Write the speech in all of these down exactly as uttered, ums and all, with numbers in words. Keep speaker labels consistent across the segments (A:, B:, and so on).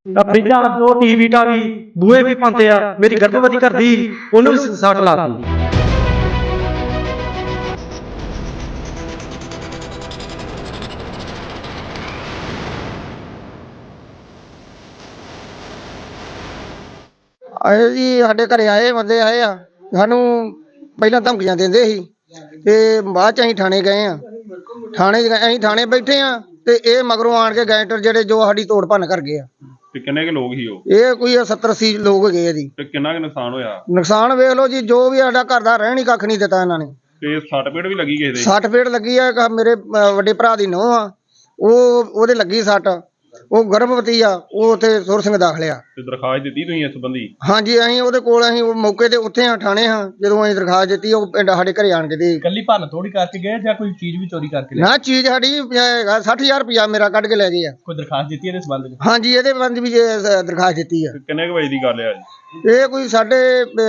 A: फ्रिजा TV TAVI बूहे भी पाते आ। मेरी गर्भवती घर दी ओनू भी सट लाती।
B: आए जी साडे घरे आए बंदे आए आ सानू पहला धमकियां देंदे सी ते बाद च असीं थाने गए आ। थाने असीं थाने बैठे आ ते ए मगरों आण के गैंगस्टर जेड़े जो साडी तोड़ भन्न कर गए आ।
C: ते किन्ने के लोग ही ओ?
B: ये कोई सत्तर अस्सी लोग गए जी।
C: ते किन्ना के नुकसान होया?
B: नुकसान वेख लो जी, जो भी साडा घर दा रहन ही कख नहीं दिता इन्हां ने।
C: ते सट पेट भी लगी किसे दे?
B: सट पेट लगी है। एक मेरे वड्डे भरा दी नूंह आ, ओ ओदे लगी सट, ਉਹ ਗਰਭਵਤੀ ਆ, ਉਹ ਉੱਥੇ ਸੁਰ ਸਿੰਘ ਦਾਖਲ ਆ।
C: ਤੇ ਦਰਖਾਸਤ ਦਿੱਤੀ ਤੁਸੀਂ ਇਸ ਸੰਬੰਧੀ?
B: ਹਾਂਜੀ ਅਸੀਂ ਉਹਦੇ ਕੋਲ ਅਸੀਂ ਉਹ ਮੌਕੇ ਤੇ ਉੱਥੇ ਆ, ਥਾਣੇ ਹਾਂ। ਜਦੋਂ ਅਸੀਂ ਦਰਖਾਸਤ ਦਿੱਤੀ ਉਹ ਪਿੰਡ ਸਾਡੇ ਘਰੇ ਆਣ ਕੇ ਦੇ।
D: ਕੱਲੀ ਭੰਨ ਤੋੜੀ ਕਰਕੇ ਗਏ ਜਾਂ ਕੋਈ ਚੀਜ਼ ਵੀ ਚੋਰੀ ਕਰਕੇ
B: ਨਾ ਚੀਜ਼ ਸਾਡੀ ਸੱਠ ਹਜ਼ਾਰ ਰੁਪਇਆ ਮੇਰਾ ਕੱਢ ਕੇ ਲੈ ਗਏ ਆ।
D: ਕੋਈ ਦਰਖਾਸਤ ਦਿੱਤੀ ਇਹਦੇ ਸੰਬੰਧ ਵਿੱਚ?
B: ਹਾਂਜੀ ਇਹਦੇ ਸੰਬੰਧ ਵੀ ਦਰਖਾਸਤ ਦਿੱਤੀ ਆ।
C: ਕਿੰਨੇ ਕੁ ਵਜੇ ਦੀ ਗੱਲ ਆ ਜੀ?
B: ਇਹ ਕੋਈ ਸਾਡੇ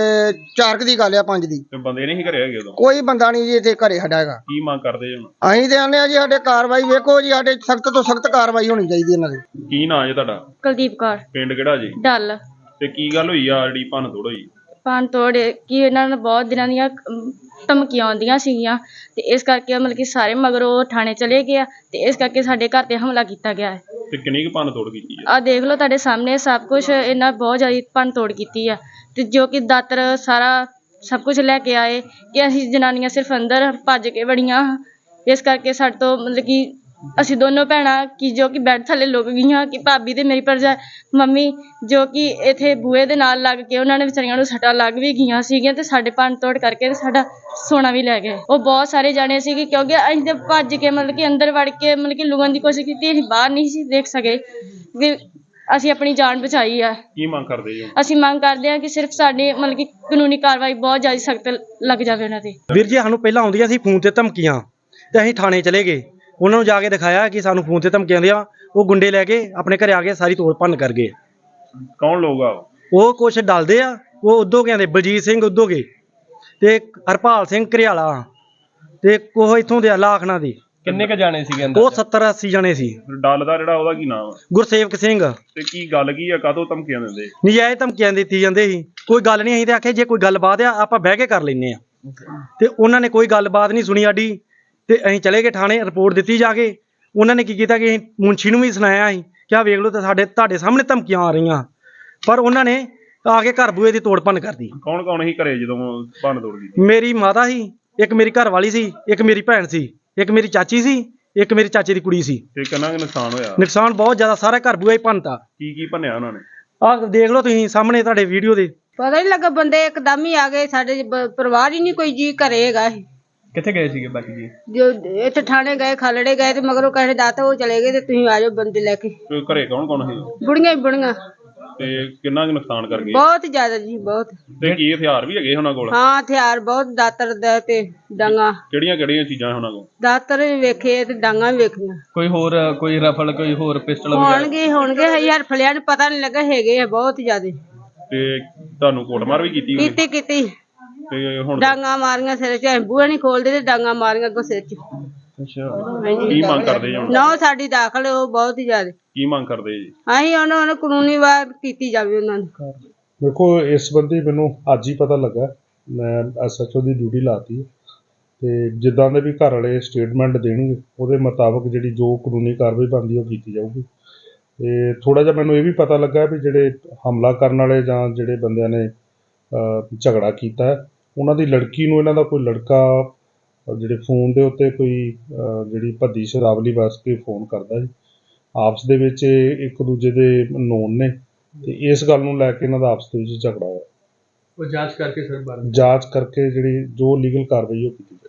B: ਚਾਰ ਦੀ ਗੱਲ ਆ, ਪੰਜ ਦੀ।
C: ਤੇ ਬੰਦੇ ਨਹੀਂ ਘਰੇ ਹੈਗੇ ਉਦੋਂ?
B: ਕੋਈ ਬੰਦਾ ਨਹੀਂ ਜੀ ਇੱਥੇ ਘਰੇ ਸਾਡਾ ਹੈਗਾ।
C: ਕੀ ਮੰਗ ਕਰਦੇ ਹੁਣ?
B: ਅਸੀਂ ਤੇ ਆਨੇ ਆ ਜੀ ਸਾਡੇ ਕਾਰਵਾਈ ਵੇਖੋ ਜੀ, ਸਾਡੇ ਸਖਤ ਤੋਂ ਸਖਤ ਕਾਰਵਾਈ ਹੋਣੀ ਚਾਹੀਦੀ ਇਹਨਾਂ ਦੀ।
C: ਕੀ ਨਾਂ ਜੀ ਤੁਹਾਡਾ?
E: ਕੁਲਦੀਪ ਕੌਰ।
C: ਪਿੰਡ ਕਿਹੜਾ ਜੀ?
E: ਡੱਲ।
C: ਤੇ ਕੀ ਗੱਲ ਹੋਈ ਆ ਜਿਹੜੀ ਭੰਨ ਤੋੜ ਹੋਈ?
E: ਭੰਨ ਤੋੜ ਕੀ ਇਹਨਾਂ ਨੂੰ ਬਹੁਤ ਦਿਨਾਂ ਦੀਆਂ ਧਮਕੀਆਂ ਆਉਂਦੀਆਂ ਸੀਗੀਆਂ ਤੇ ਇਸ ਕਰਕੇ ਮਤਲਬ ਕਿ ਸਾਰੇ ਮਗਰੋਂ ਥਾਣੇ ਚਲੇ ਗਏ ਆ ਤੇ ਇਸ ਕਰਕੇ ਸਾਡੇ ਘਰ ਤੇ ਹਮਲਾ ਕੀਤਾ ਗਿਆ ਹੈ।
C: ਤੇ ਕਿੰਨੀ ਕੁ ਭੰਨ ਤੋੜ ਕੀਤੀ ਆ?
E: ਆਹ ਦੇਖ ਲਓ ਤੁਹਾਡੇ ਸਾਹਮਣੇ ਸਭ ਕੁਝ, ਇਹਨਾਂ ਬਹੁਤ ਜ਼ਿਆਦਾ ਭੰਨ ਤੋੜ ਕੀਤੀ ਆ ਤੇ ਜੋ ਕਿ ਦਾਤਰ ਸਾਰਾ ਸਭ ਕੁਝ ਲੈ ਕੇ ਆਏ ਕਿ ਅਸੀਂ ਜਨਾਨੀਆਂ ਸਿਰਫ ਅੰਦਰ ਭੱਜ ਕੇ ਵੜੀਆਂ। ਇਸ ਕਰਕੇ ਸਾਡੇ ਤੋਂ ਮਤਲਬ ਕਿ ਅਸੀਂ ਦੋਨੋਂ ਭੈਣਾਂ ਕਿ ਜੋ ਕਿ ਬੈੱਡ ਥੱਲੇ ਲੁਕ ਗਈਆਂ ਕਿ ਭਾਬੀ ਤੇ ਮੇਰੀ ਭਰਜਾ ਮੰਮੀ ਜੋ ਕਿ ਇੱਥੇ ਬੂਹੇ ਦੇ ਨਾਲ ਲੱਗ ਕੇ ਉਹਨਾਂ ਨੇ ਵਿਚਾਰੀਆਂ ਨੂੰ ਸੱਟਾਂ ਲੱਗ ਵੀ ਗਈਆਂ ਸੀਗੀਆਂ ਤੇ ਸਾਡੇ ਭੰਨ ਤੋੜ ਕਰਕੇ ਤੇ ਸਾਡਾ ਸੋਨਾ ਵੀ ਲੈ ਗਏ। ਉਹ ਬਹੁਤ ਸਾਰੇ ਜਾਣੇ ਸੀਗੇ ਕਿਉਂਕਿ ਅਸੀਂ ਤੇ ਭੱਜ ਕੇ ਮਤਲਬ ਕਿ ਅੰਦਰ ਵੜ ਕੇ ਮਤਲਬ ਕਿ ਲੁਕਣ ਦੀ ਕੋਸ਼ਿਸ਼ ਕੀਤੀ, ਅਸੀਂ ਬਾਹਰ ਨਹੀਂ ਸੀ ਦੇਖ ਸਕੇ ਵੀ ਅਸੀਂ ਆਪਣੀ ਜਾਨ ਬਚਾਈ ਆ।
C: ਕੀ ਮੰਗ ਕਰਦੇ ਜੀ?
E: ਅਸੀਂ ਮੰਗ ਕਰਦੇ ਹਾਂ ਕਿ ਸਿਰਫ ਸਾਡੀ ਮਤਲਬ ਕਿ ਕਾਨੂੰਨੀ ਕਾਰਵਾਈ ਬਹੁਤ ਜ਼ਿਆਦਾ ਸਖਤ ਲੱਗ ਜਾਵੇ ਉਹਨਾਂ ਤੇ।
A: ਵੀਰ ਜੀ ਸਾਨੂੰ ਪਹਿਲਾਂ ਆਉਂਦੀਆਂ ਸੀ ਫੋਨ ਤੇ ਧਮਕੀਆਂ ਤੇ ਅਸੀਂ ਥਾਣੇ ਚਲੇ ਗਏ, ਉਹਨਾਂ ਨੂੰ ਜਾ ਕੇ ਦਿਖਾਇਆ ਕਿ ਸਾਨੂੰ ਫੋਨ ਤੇ ਧਮਕੀਆਂ ਆਉਂਦੀਆਂ। ਉਹ ਗੁੰਡੇ ਲੈ ਕੇ ਆਪਣੇ ਘਰੇ ਆ ਕੇ ਸਾਰੀ ਤੋੜ ਭੰਨ ਕਰ ਗਏ।
C: ਕੌਣ ਲੋਕ ਆ?
A: ਉਹ ਕੁਛ ਡਲਦੇ ਆ, ਉਹ ਉਦੋਗਿਆਂ ਦੇ ਬਲਜੀਤ ਸਿੰਘ ਉਦੋਗੇ ਤੇ ਹਰਪਾਲ ਸਿੰਘ ਘਰਿਆਲਾ ਤੇ ਉਹ ਇੱਥੋਂ ਦੇ ਲਾਖਣਾ ਦੀ।
D: ਕਿੰਨੇ ਕ ਜਾਣੇ ਸੀਗੇ
A: ਉਹ
D: ਅੰਦਰ?
A: ਸੱਤਰ ਅੱਸੀ ਜਣੇ ਸੀ।
C: ਡੱਲ ਦਾ ਜਿਹੜਾ ਉਹਦਾ ਕੀ ਨਾਮ ਆ?
A: ਗੁਰਸੇਵਕ ਸਿੰਘ।
C: ਤੇ ਕੀ ਗੱਲ ਕੀ ਆ, ਕਾਹਤੋਂ ਧਮਕੀਆਂ ਦਿੰਦੇ?
A: ਨਜਾਇਜ਼ ਧਮਕੀਆਂ ਦਿੱਤੀ ਜਾਂਦੇ ਸੀ, ਕੋਈ ਗੱਲ ਨਹੀਂ। ਅਸੀਂ ਤੇ ਆਖਿਆ ਜੇ ਕੋਈ ਗੱਲਬਾਤ ਆ ਆਪਾਂ ਬਹਿ ਕੇ ਕਰ ਲੈਨੇ ਆ ਤੇ ਉਹਨਾਂ ਨੇ ਕੋਈ ਗੱਲਬਾਤ ਨਹੀਂ ਸੁਣੀ ਸਾਡੀ ਤੇ ਅਸੀਂ ਚਲੇ ਗਏ ਥਾਣੇ, ਰਿਪੋਰਟ ਦਿੱਤੀ ਜਾ ਕੇ। ਉਹਨਾਂ ਨੇ ਕੀ ਕੀਤਾ ਕਿ ਅਸੀਂ ਮੁੰਸ਼ੀ ਨੂੰ ਵੀ ਸੁਣਾਇਆ ਅਸੀਂ ਕਿ ਆਹ ਵੇਖ ਲਓ ਤੇ ਸਾਡੇ ਤੁਹਾਡੇ ਸਾਹਮਣੇ ਧਮਕੀਆਂ ਆ ਰਹੀਆਂ, ਪਰ ਉਹਨਾਂ ਨੇ ਆ ਕੇ ਘਰ ਬੂਹੇ ਦੀ ਤੋੜ ਭੰਨ ਕਰਦੀ।
C: ਕੌਣ ਕੌਣ ਸੀ ਘਰੇ ਜਦੋਂ ਭੰਨ ਤੋੜ ਕੀਤੀ?
A: ਮੇਰੀ ਮਾਤਾ ਸੀ, ਇੱਕ ਮੇਰੀ ਘਰ ਵਾਲੀ ਸੀ, ਇੱਕ ਮੇਰੀ ਭੈਣ ਸੀ, ਇੱਕ ਮੇਰੀ ਚਾਚੀ ਸੀ, ਇੱਕ ਮੇਰੀ ਚਾਚੇ ਦੀ ਕੁੜੀ ਸੀ।
C: ਤੇ ਕਿੰਨਾ ਕੁ ਨੁਕਸਾਨ ਹੋਇਆ?
A: ਨੁਕਸਾਨ ਬਹੁਤ ਜ਼ਿਆਦਾ, ਸਾਰਾ ਘਰ ਬੂਹਾ ਹੀ ਭੰਨਤਾ।
C: ਕੀ ਕੀ ਭੰਨਿਆ ਉਹਨਾਂ ਨੇ?
A: ਆਹ ਦੇਖ ਲਓ ਤੁਸੀਂ ਸਾਹਮਣੇ ਤੁਹਾਡੇ ਵੀਡੀਓ ਦੇ।
F: ਪਤਾ ਨਹੀਂ ਲੱਗਾ, ਬੰਦੇ ਇੱਕਦਮ ਹੀ ਆ ਗਏ। ਸਾਡੇ ਬ- ਪਰਿਵਾਰ ਹੀ ਨਹੀਂ ਕੋਈ ਜੀ ਘਰੇ ਹੈਗਾ।
D: ਕਿੱਥੇ ਗਏ ਸੀਗੇ ਬਾਕੀ ਜੀ?
F: ਜੋ ਇੱਥੇ ਥਾਣੇ ਗਏ, ਖਾਲੜੇ ਗਏ ਤੇ ਮਗਰੋਂ ਕਹੇ ਦਾਤਾ ਉਹ ਚਲੇ ਗਏ ਤੇ ਤੁਸੀਂ ਆ ਜਾਓ ਬੰਦੇ ਲੈ ਕੇ।
C: ਤੇ ਘਰੇ ਕੌਣ ਕੌਣ ਸੀ?
F: ਬੁੜੀਆਂ ਹੀ ਬੁੜੀਆਂ,
C: ਤੇ ਕਿੰਨਾ ਕੁ ਨੁਕਸਾਨ ਕਰ ਗਏ?
F: ਬਹੁਤ ਜ਼ਿਆਦਾ ਜੀ, ਬਹੁਤ।
C: ਤੇ ਕੀ ਹਥਿਆਰ ਵੀ ਹੈਗੇ ਉਹਨਾਂ ਕੋਲ?
F: ਹਾਂ ਹਥਿਆਰ ਬਹੁਤ, ਦਾਤਰ ਦਾ ਤੇ ਡਾਂਗਾ।
C: ਕਿਹੜੀਆਂ ਕਿਹੜੀਆਂ ਚੀਜ਼ਾਂ ਉਹਨਾਂ ਕੋਲ?
F: ਦਾਤਰ ਵੀ ਵੇਖੇ ਤੇ ਡਾਂਗਾ ਵੀ ਵੇਖੀਆਂ।
D: ਕੋਈ ਹੋਰ ਕੋਈ ਰਫਲ, ਕੋਈ ਹੋਰ ਪਿਸਟਲ ਵਗੈਰਾ?
F: ਹੋਣਗੇ ਹੋਣਗੇ ਹਜ਼ਾਰ ਫਲਿਆਂ ਨੂੰ ਪਤਾ ਨਹੀਂ ਲੱਗਾ, ਹੈਗੇ ਆ ਬਹੁਤ ਜ਼ਿਆਦਾ।
C: ਤੇ ਤੁਹਾਨੂੰ ਕੁੱਟਮਾਰ ਵੀ ਕੀਤੀ ਹੋਈ?
F: ਕੀਤੀ ਕੀਤੀ
C: ਤੇ ਹੁਣ
F: ਡਾਂਗਾ ਮਾਰੀਆਂ ਸਿਰ ਚ, ਬੂਹੇ ਨਹੀਂ ਖੋਲਦੇ ਤੇ ਡਾਂਗਾ ਮਾਰੀਆਂ ਅੱਗੋਂ ਸਿਰ ਚ।
C: ਅੱਛਾ, ਕੀ ਮੰਗ ਕਰਦੇ ਜੀ ਹੁਣ?
F: ਨਾ ਸਾਡੀ ਦਾਖਲ ਉਹ ਬਹੁਤ ਹੀ ਜ਼ਿਆਦਾ।
C: ਕੀ ਮੰਗ ਕਰਦੇ ਜੀ?
F: ਅਸੀਂ ਉਹਨਾਂ ਨੂੰ ਕਾਨੂੰਨੀ ਵਾਰ ਕੀਤੀ ਜਾਵੇ ਉਹਨਾਂ ਨੂੰ।
G: ਦੇਖੋ ਇਸ ਸੰਬੰਧੀ ਮੈਨੂੰ ਅੱਜ ਹੀ ਪਤਾ ਲੱਗਾ, ਮੈਂ ਐਸ ਐਚ ਓ ਦੀ ਡਿਊਟੀ ਲਾਤੀ ਤੇ ਜਿੱਦਾਂ ਦੇ ਵੀ ਘਰ ਵਾਲੇ ਸਟੇਟਮੈਂਟ ਦੇਣਗੇ ਉਹਦੇ ਮੁਤਾਬਕ ਜਿਹੜੀ ਜੋ ਕਾਨੂੰਨੀ ਕਾਰਵਾਈ ਬਣਦੀ ਉਹ ਕੀਤੀ ਜਾਊਗੀ। ਤੇ ਥੋੜਾ ਜਿਹਾ ਮੈਨੂੰ ਇਹ ਵੀ ਪਤਾ ਲੱਗਾ ਵੀ ਜਿਹੜੇ ਹਮਲਾ ਕਰਨ ਵਾਲੇ ਜਾਂ ਜਿਹੜੇ ਬੰਦਿਆਂ ਨੇ ਝਗੜਾ ਕੀਤਾ ਉਹਨਾਂ ਦੀ ਲੜਕੀ ਨੂੰ ਇਹਨਾਂ ਦਾ ਕੋਈ ਲੜਕਾ ਜਿਹੜੇ ਫੋਨ ਦੇ ਉੱਤੇ ਕੋਈ ਜਿਹੜੀ ਭੱਦੀ ਸ਼ਰਾਵਲੀ ਵਸ ਕੇ ਫੋਨ ਕਰਦਾ ਜੀ। ਆਪਸ ਦੇ ਵਿੱਚ ਇੱਕ ਦੂਜੇ ਦੇ ਨੋਨ ਨੇ ਤੇ ਇਸ ਗੱਲ ਨੂੰ ਲੈ ਕੇ ਇਹਨਾਂ ਦਾ ਆਪਸ ਦੇ ਵਿੱਚ ਝਗੜਾ ਹੋਇਆ।
D: ਉਹ ਜਾਂਚ ਕਰਕੇ ਸਰ ਬਾਰੇ
G: ਜਾਂਚ ਕਰਕੇ ਜਿਹੜੀ ਜੋ ਲੀਗਲ ਕਾਰਵਾਈ ਉਹ ਕੀਤੀ।